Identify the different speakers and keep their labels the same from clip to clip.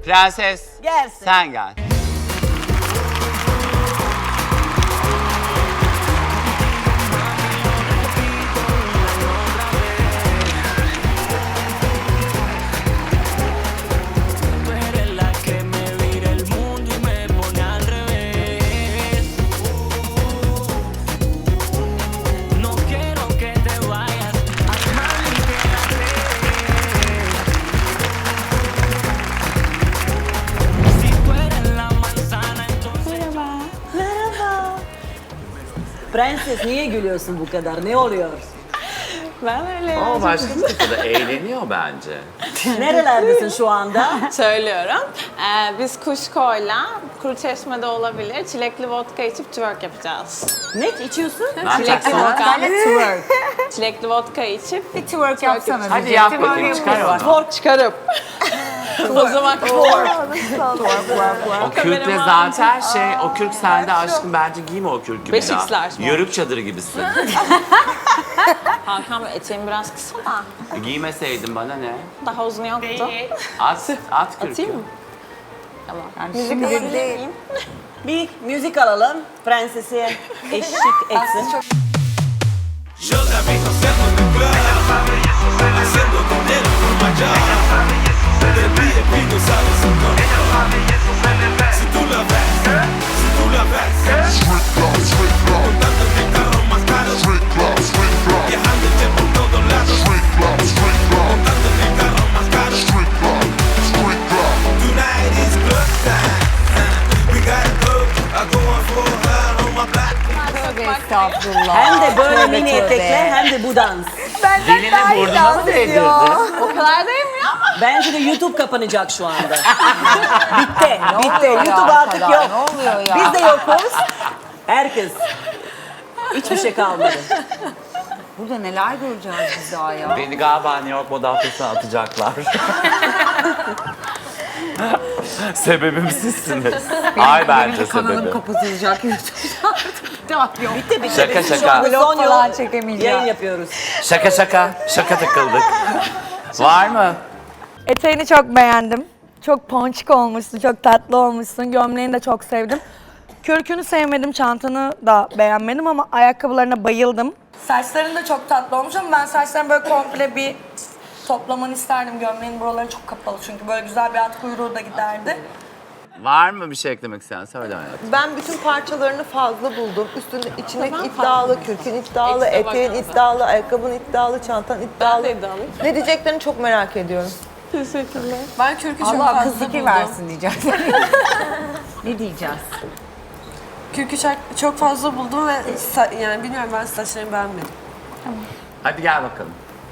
Speaker 1: Prenses.
Speaker 2: Gelsin.
Speaker 1: Sen gel.
Speaker 3: Tú eres la que me vira el mundo y me pone al revés. No quiero que te vayas, mami, quédate. Si tú eres la manzana, entonces
Speaker 2: Merhaba. Prenses niye gülüyorsun bu kadar? Ne oluyor?
Speaker 4: Ben öyle
Speaker 1: O başka bir da eğleniyor bence.
Speaker 2: Nerelerdesin şu anda?
Speaker 4: söylüyorum. Biz Kuşko'yla Kuruçeşme'de olabilir. Çilekli vodka içip twerk yapacağız.
Speaker 2: Ne içiyorsun?
Speaker 1: Ne yapacaksın?
Speaker 2: Twerk.
Speaker 4: Çilekli vodka içip
Speaker 5: Bir twerk yapsana.
Speaker 1: Hadi yap bakayım, çıkar onu.
Speaker 2: Twerk çıkarıp.
Speaker 4: o zaman
Speaker 1: O kürkle zaten o kürk sende aşkım, bence giyme o kürkü bir
Speaker 4: 5X'ler
Speaker 1: daha.
Speaker 4: mi?
Speaker 1: Yörük çadırı gibisin.
Speaker 4: Hakan Bey eteğim biraz kısa da
Speaker 1: Giymeseydin bana ne?
Speaker 4: daha uzun yoktu.
Speaker 1: At kürkü.
Speaker 4: Atayım mı? Tamam.
Speaker 5: Yani
Speaker 4: Müzik
Speaker 5: şimdi
Speaker 4: alabilir
Speaker 5: değil.
Speaker 4: miyim?
Speaker 2: Bir müzik alalım. Prensesi eşlik etsin.
Speaker 6: Yo la vi haciendo en el club, haciendo dinero con Maya. Del VIP no sabe su nombre. Si tú la ves, si tú la ves, montando en el carro más caro, viajando por todos lados, montando en el carro más caro. Tonight is club time. We gotta go. I go on for her on my black.
Speaker 5: Tövbe estağfurullah.
Speaker 2: Hem de böyle
Speaker 5: Tövbe
Speaker 2: mini
Speaker 5: tövbe.
Speaker 2: etekle hem de bu dans.
Speaker 1: Dilini burnuna mı değdirdin?
Speaker 4: O kadar değil mi ya?
Speaker 2: Bence de YouTube kapanacak şu anda. Bitti, bitti.
Speaker 5: oluyor ya
Speaker 2: YouTube artık
Speaker 5: kadar?
Speaker 2: yok.
Speaker 5: Ne oluyor ya?
Speaker 2: Biz de yokuz. Herkes. Hiçbir şey kalmadı.
Speaker 5: Burada neler göreceğiz biz daha ya?
Speaker 1: Beni galiba New York moda haftasına atacaklar. Sebebim sizsiniz. Ay bence
Speaker 5: Kanalım
Speaker 1: sebebi.
Speaker 5: kapatılacak YouTube'da artık. Daha yok.
Speaker 2: Bitti, bitti.
Speaker 1: Şaka,
Speaker 2: Biz şu
Speaker 1: şaka.
Speaker 2: anda
Speaker 5: Vlog
Speaker 2: son
Speaker 5: falan
Speaker 2: yol
Speaker 5: çekemeyeceğim.
Speaker 2: yayın yapıyoruz.
Speaker 1: Şaka takıldık. Var mı?
Speaker 7: Eteğini çok beğendim. Çok ponçik olmuşsun, çok tatlı olmuşsun. Gömleğini de çok sevdim. Kürkünü sevmedim, çantanı da beğenmedim ama ayakkabılarına bayıldım. Saçların da çok tatlı olmuş ama ben saçlarını böyle komple bir toplamanı isterdim. Gömleğin buraları çok kapalı çünkü böyle güzel bir at kuyruğu da giderdi.
Speaker 1: Var mı bir şey eklemek isteyen? Söyle hayatım.
Speaker 8: Ben bütün parçalarını fazla buldum. Üstünde içindeki iddialı, kürkün iddialı,
Speaker 4: Ekstra
Speaker 8: eteğin
Speaker 4: bakmasın.
Speaker 8: iddialı, ayakkabın iddialı, çantan iddialı.
Speaker 4: Ben de iddialıyım.
Speaker 8: Ne diyeceklerini çok merak ediyorum.
Speaker 4: Teşekkürler.
Speaker 7: Ben kürkü çok
Speaker 5: Allah
Speaker 7: fazla
Speaker 5: kız fikir
Speaker 7: buldum.
Speaker 5: versin diyeceğiz. Ne diyeceğiz?
Speaker 9: Kürkü çok fazla buldum ve yani bilmiyorum ben saçlarımı beğenmedim.
Speaker 1: Hadi gel bakalım.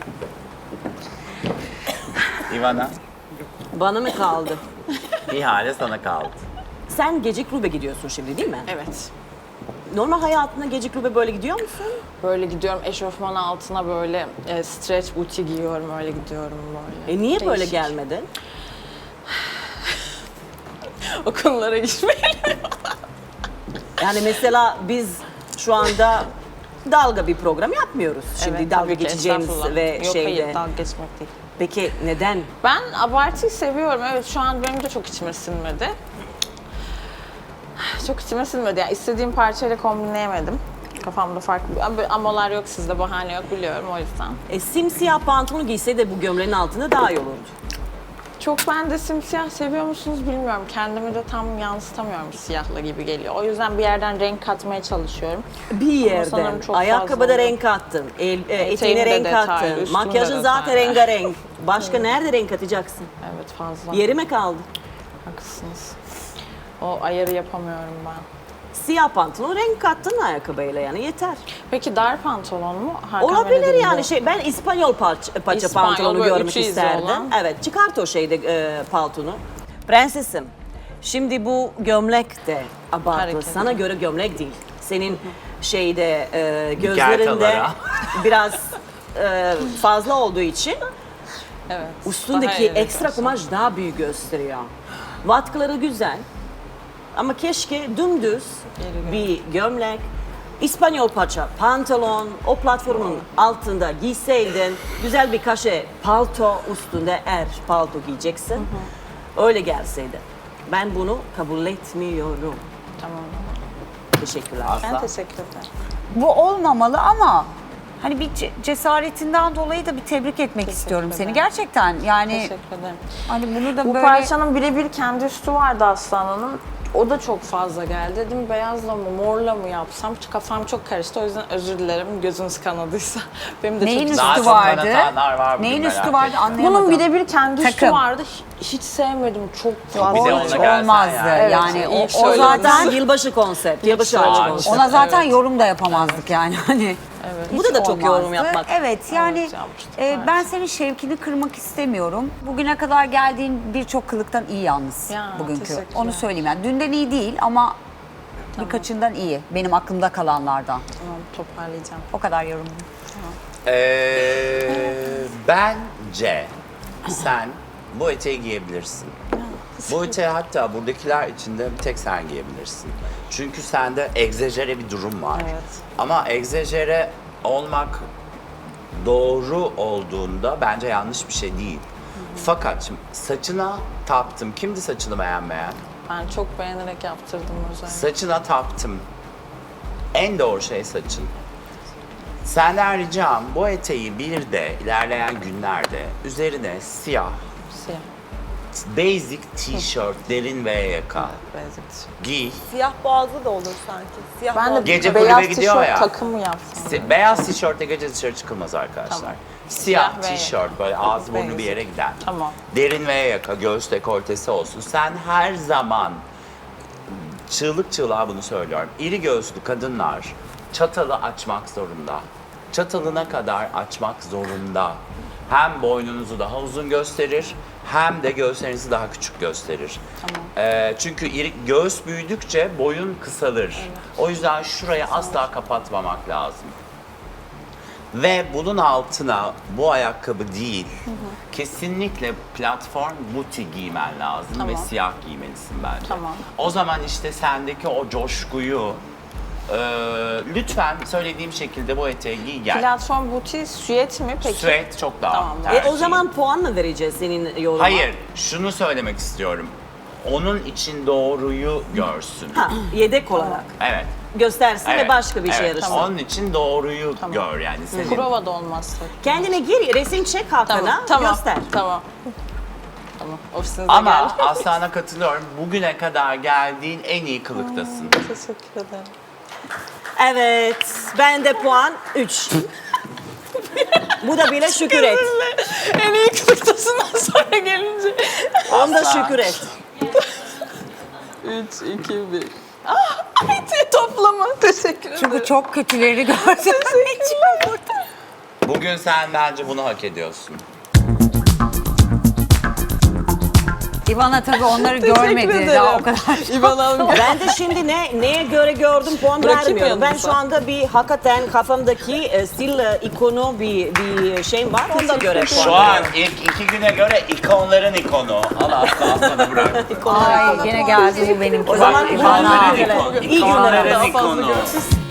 Speaker 1: Ivana,
Speaker 2: Bana mı kaldı?
Speaker 1: ihale sana kaldı.
Speaker 2: Sen gece kulübe gidiyorsun şimdi değil mi?
Speaker 4: Evet.
Speaker 2: Normal hayatında gece kulübe böyle gidiyor musun?
Speaker 4: Böyle gidiyorum eşofman altına böyle stretch booty giyiyorum öyle gidiyorum böyle.
Speaker 2: Niye böyle
Speaker 4: Değişik.
Speaker 2: gelmedin?
Speaker 4: O konulara girmeyelim.
Speaker 2: Yani mesela biz şu anda dalga bir program yapmıyoruz. Şimdi
Speaker 4: Evet,
Speaker 2: dalga
Speaker 4: tabii ki,
Speaker 2: geçeceğimiz
Speaker 4: estağfurullah.
Speaker 2: ve
Speaker 4: Yok,
Speaker 2: şeyde.
Speaker 4: hayır dalga geçmek değil.
Speaker 2: Peki neden?
Speaker 4: Ben abartıyı seviyorum. Evet şu an benim de çok içime sinmedi. Çok içime sinmedi. Yani istediğim parçayla kombinleyemedim. Kafamda farklı bir amalar yok sizde, bahane yok biliyorum o yüzden.
Speaker 2: Simsiyah pantolon giyse de bu gömleğin altında daha iyi olurdu.
Speaker 4: Çok ben de simsiyah seviyor musunuz bilmiyorum. Kendimi de tam yansıtamıyorum siyahla gibi geliyor. O yüzden bir yerden renk katmaya çalışıyorum.
Speaker 2: Bir yerden.
Speaker 4: sanırım çok
Speaker 2: Ayakkabıda
Speaker 4: fazla
Speaker 2: renk kattın, eteğine
Speaker 4: Eteğimde
Speaker 2: renk
Speaker 4: detaylı,
Speaker 2: kattın,
Speaker 4: üstümde
Speaker 2: makyajın zaten
Speaker 4: detaylı.
Speaker 2: rengarenk. Başka nerede renk atacaksın?
Speaker 4: Evet fazla.
Speaker 2: Yeri kaldı?
Speaker 4: Haklısınız. O ayarı yapamıyorum ben.
Speaker 2: Siyah pantolon renk kattın ayakkabıyla yani yeter.
Speaker 4: Peki dar pantolon mu? Hakan Bey
Speaker 2: Olabilir
Speaker 4: dediğim
Speaker 2: yani
Speaker 4: bu.
Speaker 2: ben İspanyol paça
Speaker 4: İspanyol,
Speaker 2: pantolonu
Speaker 4: böyle
Speaker 2: görmek
Speaker 4: üçü izi
Speaker 2: isterdim.
Speaker 4: olan.
Speaker 2: Evet çıkart o paltonu. Prensesim, şimdi bu gömlek de abartı.
Speaker 4: Hareket.
Speaker 2: Sana göre gömlek değil. Senin gözlerinde
Speaker 1: Gertalara.
Speaker 2: biraz fazla olduğu için
Speaker 4: Evet.
Speaker 2: üstündeki
Speaker 4: Daha evet
Speaker 2: ekstra
Speaker 4: aslında.
Speaker 2: kumaş daha büyük gösteriyor. Vatkaları güzel ama keşke dümdüz bir gömlek, İspanyol paça pantolon, o platformun altında giyseydin, güzel bir kaşe palto üstünde palto giyeceksin. öyle gelseydi. Ben bunu kabul etmiyorum.
Speaker 4: Tamam.
Speaker 2: Teşekkürler.
Speaker 4: Ben teşekkür ederim.
Speaker 5: Bu olmamalı ama hani bir cesaretinden dolayı da bir tebrik etmek istiyorum seni.
Speaker 4: ederim.
Speaker 5: Gerçekten yani
Speaker 4: Teşekkür ederim.
Speaker 5: hani bunu da
Speaker 4: Bu
Speaker 5: böyle
Speaker 4: parçanın birebir kendi üstü vardı Aslan'ın. O da çok fazla geldi. Dedim beyazla mı morla mı yapsam? Kafam çok karıştı. O yüzden özür dilerim gözünüz kanadıysa. Benim de
Speaker 5: neyin
Speaker 4: çok
Speaker 1: Daha
Speaker 5: üstü
Speaker 1: çok
Speaker 5: vardı?
Speaker 1: kanatanlar var bugün,
Speaker 5: Neyin
Speaker 1: merak
Speaker 5: üstü vardı
Speaker 1: etme.
Speaker 5: anlayamadım.
Speaker 4: Bunun birebir kendi üstü
Speaker 5: Takım.
Speaker 4: vardı. Hiç sevmedim. Çok
Speaker 1: Bir de
Speaker 4: fazla.
Speaker 1: ona
Speaker 5: hiç
Speaker 1: gelsen
Speaker 5: olmazdı
Speaker 1: yani.
Speaker 5: yani,
Speaker 4: Evet,
Speaker 5: o,
Speaker 4: ilk
Speaker 5: o
Speaker 4: söylediniz.
Speaker 5: zaten
Speaker 2: Yılbaşı konsept. Yılbaşı
Speaker 1: Aa,
Speaker 2: ağacı konsept.
Speaker 5: ona zaten yorum da yapamazdık yani hani.
Speaker 4: Evet.
Speaker 2: Burada da çok yorum
Speaker 5: olmazdı.
Speaker 2: yapmak.
Speaker 5: Evet yani
Speaker 4: Evet, yapmıştık,
Speaker 5: ben senin şevkini kırmak istemiyorum. Bugüne kadar geldiğin birçok kılıktan iyi yalnız
Speaker 4: Ya,
Speaker 5: bugünkü.
Speaker 4: teşekkürler.
Speaker 5: Onu söyleyeyim yani. Dünden iyi değil ama birkaçından iyi. Benim aklımda kalanlardan.
Speaker 4: Tamam, toparlayacağım.
Speaker 5: O kadar yorumum.
Speaker 1: Bence sen bu eteği giyebilirsin. Bu eteği hatta buradakiler içinde bir tek sen giyebilirsin. Çünkü sende egzajere bir durum var.
Speaker 4: Evet.
Speaker 1: Ama egzajere olmak doğru olduğunda bence yanlış bir şey değil. Fakat şimdi saçına taptım. Kimdi saçını beğenmeyen?
Speaker 4: Ben çok beğenerek yaptırdım özellikle.
Speaker 1: Saçına taptım. En doğru şey saçın. Senden ricam bu eteği bir de ilerleyen günlerde üzerine siyah,
Speaker 4: Siyah.
Speaker 1: basic t-shirt, derin ve yaka
Speaker 4: Basic.
Speaker 1: giy.
Speaker 8: Siyah boğazlı da olur sanki. Siyah
Speaker 4: Ben de
Speaker 8: boğazlı.
Speaker 1: Gece
Speaker 4: beyaz
Speaker 1: kulübe gidiyor
Speaker 4: tişört
Speaker 1: ya.
Speaker 4: takımı yapsam.
Speaker 1: Beyaz tişörtle gece dışarı çıkılmaz arkadaşlar.
Speaker 4: Tamam.
Speaker 1: Siyah
Speaker 4: Siyah ve
Speaker 1: tişört böyle ağzı burnu bir
Speaker 4: basic.
Speaker 1: yere giden.
Speaker 4: Tamam.
Speaker 1: Derin ve yaka, göğüs dekoltesi olsun. Sen her zaman çığlık çığlığa bunu söylüyorum. İri göğüslü kadınlar çatalı açmak zorunda. Çatalına kadar açmak zorunda. Hem boynunuzu daha uzun gösterir, hem de göğüslerinizi daha küçük gösterir. Çünkü göğüs büyüdükçe boyun kısalır. O yüzden şurayı asla kapatmamak lazım. Ve bunun altına bu ayakkabı değil, kesinlikle platform buti giymen lazım ve siyah giymelisin bence.
Speaker 4: Tamam.
Speaker 1: O zaman işte sendeki o coşkuyu lütfen söylediğim şekilde bu eteği giy gel.
Speaker 4: Platform buti süet mi peki?
Speaker 1: Süet çok daha
Speaker 4: Tamam.
Speaker 1: tercih.
Speaker 2: O zaman puan mı vereceğiz senin yorumuna?
Speaker 1: Hayır, şunu söylemek istiyorum. Onun için doğruyu görsün.
Speaker 2: Ha, yedek olarak
Speaker 1: Evet.
Speaker 2: göstersin
Speaker 1: Evet.
Speaker 2: ve başka bir şey
Speaker 1: Evet.
Speaker 2: yarışsın.
Speaker 1: Onun için doğruyu gör yani senin.
Speaker 4: Prova da olmazsa.
Speaker 2: Kendine gir, resim çek Hakan'a, göster.
Speaker 4: Tamam. Tamam. Ofisinize
Speaker 1: Ama
Speaker 4: geldim.
Speaker 1: Aslan'a katılıyorum. Bugüne kadar geldiğin en iyi kılıktasın.
Speaker 4: Teşekkür ederim.
Speaker 2: Evet, ben de puan 3. Bu da bile şükür et.
Speaker 4: En iyi kılıktasından sonra gelince.
Speaker 2: Onda
Speaker 1: Aslan.
Speaker 2: şükür et.
Speaker 4: 3, 2, 1. Ay toplama. Teşekkür ederim.
Speaker 5: Çünkü çok kötüleri gördüm.
Speaker 1: Bugün sen bence bunu hak ediyorsun.
Speaker 5: İvana tabii onları görmedi daha o kadar.
Speaker 4: İvan Hanım.
Speaker 2: Ben de şimdi neye göre gördüm puan
Speaker 4: Rakip
Speaker 2: vermiyorum. Ben
Speaker 4: yanınıza.
Speaker 2: şu anda bir hakikaten kafamdaki stil ikonu bir şeyim var. Onda göre puan
Speaker 1: Şu an ilk 2 güne göre ikonların ikonu. Al Aslan'ı bırak.
Speaker 5: Ay gene geldi bu benimki.
Speaker 2: O zaman
Speaker 5: Bak,
Speaker 2: bu
Speaker 5: İvana.
Speaker 2: iyi günler.
Speaker 1: İkonların
Speaker 2: İyi günler.
Speaker 1: ikonu.